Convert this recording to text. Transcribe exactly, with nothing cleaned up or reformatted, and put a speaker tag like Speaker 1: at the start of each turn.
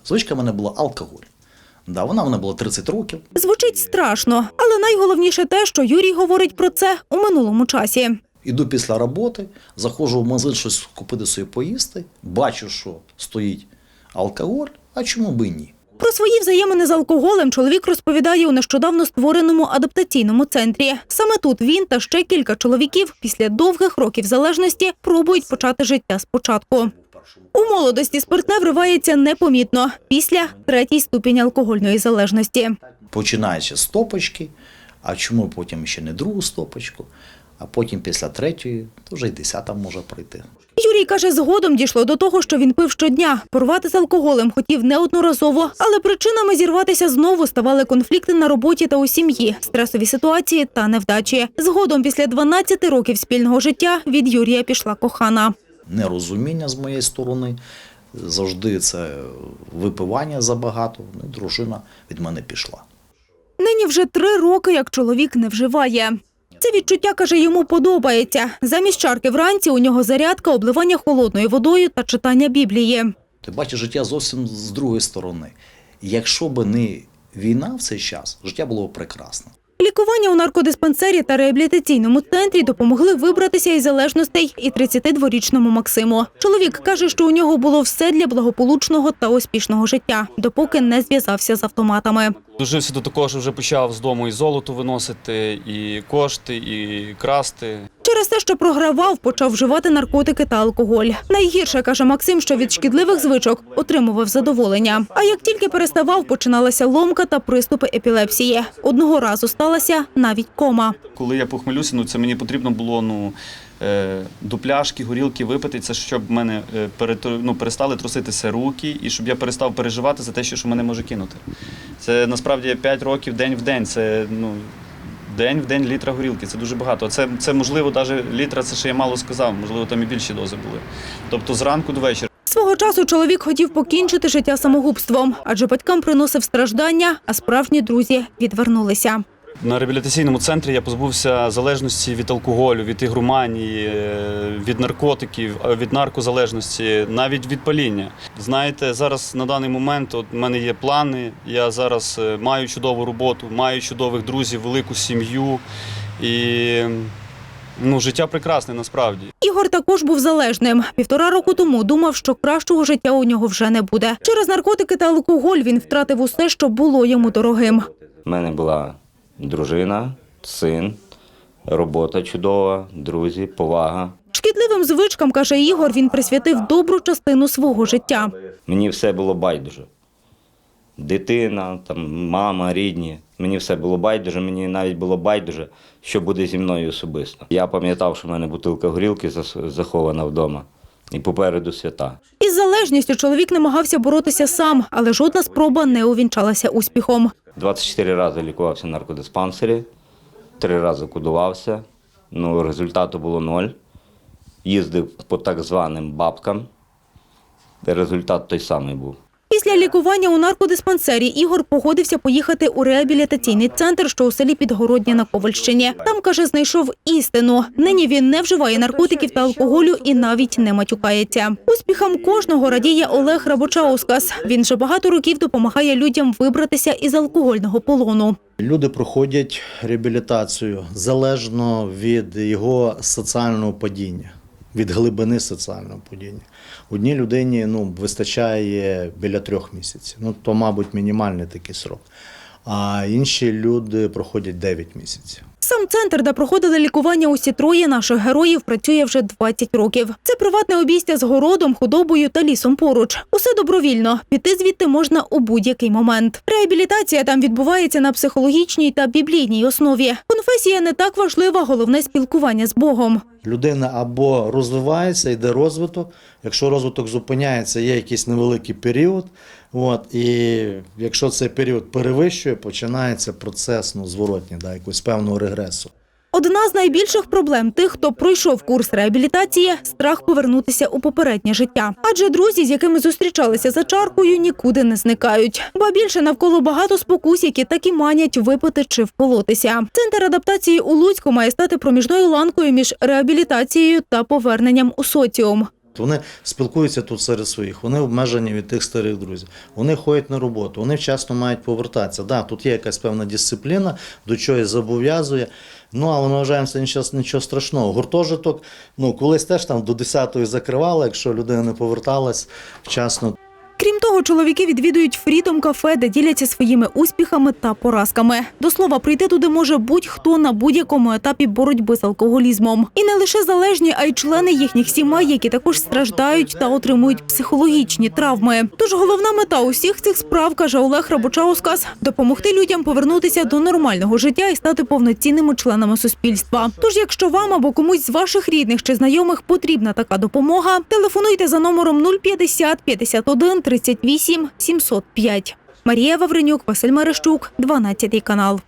Speaker 1: Звичка в мене була алкоголь. Да, вона в мене була тридцять років.
Speaker 2: Звучить страшно, але найголовніше те, що Юрій говорить про це у минулому часі.
Speaker 1: Іду після роботи, заходжу в магазин щось купити собі поїсти, бачу, що стоїть алкоголь, а чому би і ні?
Speaker 2: Про свої взаємини з алкоголем чоловік розповідає у нещодавно створеному адаптаційному центрі. Саме тут він та ще кілька чоловіків після довгих років залежності пробують почати життя спочатку. У молодості спиртне вривається непомітно після третій ступінь алкогольної залежності.
Speaker 1: Починаючи з стопочки, а чому потім ще не другу стопочку, а потім після третьої, то вже й десята може прийти.
Speaker 2: Юрій каже, згодом дійшло до того, що він пив щодня. Порвати з алкоголем хотів неодноразово, але причинами зірватися знову ставали конфлікти на роботі та у сім'ї, стресові ситуації та невдачі. Згодом, після дванадцяти років спільного життя, від Юрія пішла кохана.
Speaker 1: Нерозуміння з моєї сторони, завжди це випивання забагато, і дружина від мене пішла.
Speaker 2: Нині вже три роки, як чоловік не вживає. Це відчуття, каже, йому подобається. Замість чарки вранці у нього зарядка, обливання холодною водою та читання Біблії.
Speaker 1: Ти бачиш життя зовсім з другої сторони. Якщо б не війна в цей час, життя було б прекрасне.
Speaker 2: Лікування у наркодиспансері та реабілітаційному центрі допомогли вибратися із залежностей і тридцятидворічному Максиму. Чоловік каже, що у нього було все для благополучного та успішного життя, допоки не зв'язався з автоматами.
Speaker 3: Дожився до такого, що вже почав з дому і золото виносити, і кошти, і красти.
Speaker 2: Через те, що програвав, почав вживати наркотики та алкоголь. Найгірше, каже Максим, що від шкідливих звичок отримував задоволення. А як тільки переставав, починалася ломка та приступи епілепсії. Одного разу сталася навіть кома.
Speaker 3: Коли я похмелюся, ну це мені потрібно було ну, е, до пляшки, горілки випити, це щоб в мене е, перетр... ну, перестали труситися руки і щоб я перестав переживати за те, що мене може кинути. Це насправді п'ять років день в день, це ну, день в день літра горілки, це дуже багато. Це, це можливо, навіть літра, це ще я мало сказав, можливо, там і більші дози були. Тобто зранку до вечора.
Speaker 2: Свого часу чоловік хотів покінчити життя самогубством, адже батькам приносив страждання, а справжні друзі відвернулися.
Speaker 3: На реабілітаційному центрі я позбувся залежності від алкоголю, від ігроманії, від наркотиків, від наркозалежності, навіть від паління. Знаєте, зараз на даний момент от, в мене є плани, я зараз маю чудову роботу, маю чудових друзів, велику сім'ю і ну, життя прекрасне насправді.
Speaker 2: Ігор також був залежним. Півтора року тому думав, що кращого життя у нього вже не буде. Через наркотики та алкоголь він втратив усе, що було йому дорогим.
Speaker 4: У мене була дружина, син, робота чудова, друзі, повага.
Speaker 2: Шкідливим звичкам, каже Ігор, він присвятив добру частину свого життя.
Speaker 4: Мені все було байдуже. Дитина, там, мама, рідні. Мені все було байдуже, мені навіть було байдуже, що буде зі мною особисто. Я пам'ятав, що в мене бутилка горілки захована вдома. І попереду свята.
Speaker 2: Із залежністю чоловік намагався боротися сам, але жодна спроба не увінчалася успіхом.
Speaker 4: двадцять чотири рази лікувався в наркодиспансері, три рази кодувався, ну, результату було ноль. Їздив по так званим бабкам, результат той самий був.
Speaker 2: Після лікування у наркодиспансері Ігор погодився поїхати у реабілітаційний центр, що у селі Підгороднє на Ковальщині. Там, каже, знайшов істину. Нині він не вживає наркотиків та алкоголю і навіть не матюкається. Успіхам кожного радіє Олег Рабочаускас. Він вже багато років допомагає людям вибратися із алкогольного полону.
Speaker 5: Люди проходять реабілітацію залежно від його соціального падіння, від глибини соціального падіння. Одній людині ну, вистачає біля трьох місяців, ну, то, мабуть, мінімальний такий срок. А інші люди проходять дев'ять місяців.
Speaker 2: Сам центр, де проходили лікування усі троє наших героїв, працює вже двадцять років. Це приватне обійстя з городом, худобою та лісом поруч. Усе добровільно. Піти звідти можна у будь-який момент. Реабілітація там відбувається на психологічній та біблійній основі. Конфесія не так важлива, головне – спілкування з Богом.
Speaker 5: Людина або розвивається, йде розвиток. Якщо розвиток зупиняється, є якийсь невеликий період. От, і якщо цей період перевищує, починається процес ну, зворотній, да, якогось певного регресу.
Speaker 2: Одна з найбільших проблем тих, хто пройшов курс реабілітації – страх повернутися у попереднє життя. Адже друзі, з якими зустрічалися за чаркою, нікуди не зникають. Ба більше навколо багато спокус, які так і манять випити чи вколотися. Центр адаптації у Луцьку має стати проміжною ланкою між реабілітацією та поверненням у соціум.
Speaker 5: Вони спілкуються тут серед своїх, вони обмежені від тих старих друзів. Вони ходять на роботу, вони вчасно мають повертатися. Да, тут є якась певна дисципліна, до чогось зобов'язує. Ну, але ми вважаємо, це нічого, нічого страшного. Гуртожиток, ну, колись теж там до десятої закривали, якщо людина не поверталась вчасно.
Speaker 2: Крім того, чоловіки відвідують Freedom кафе, де діляться своїми успіхами та поразками. До слова, прийти туди може будь-хто на будь-якому етапі боротьби з алкоголізмом. І не лише залежні, а й члени їхніх сімей, які також страждають та отримують психологічні травми. Тож головна мета усіх цих справ, каже Олег Рабочаускас, допомогти людям повернутися до нормального життя і стати повноцінними членами суспільства. Тож, якщо вам або комусь з ваших рідних чи знайомих потрібна така допомога, телефонуйте за номером нуль п'ятдесят п'ятдесят один тридцять вісім сімсот п'ять. Марія Вавренюк, Василь Мерещук, дванадцятий канал.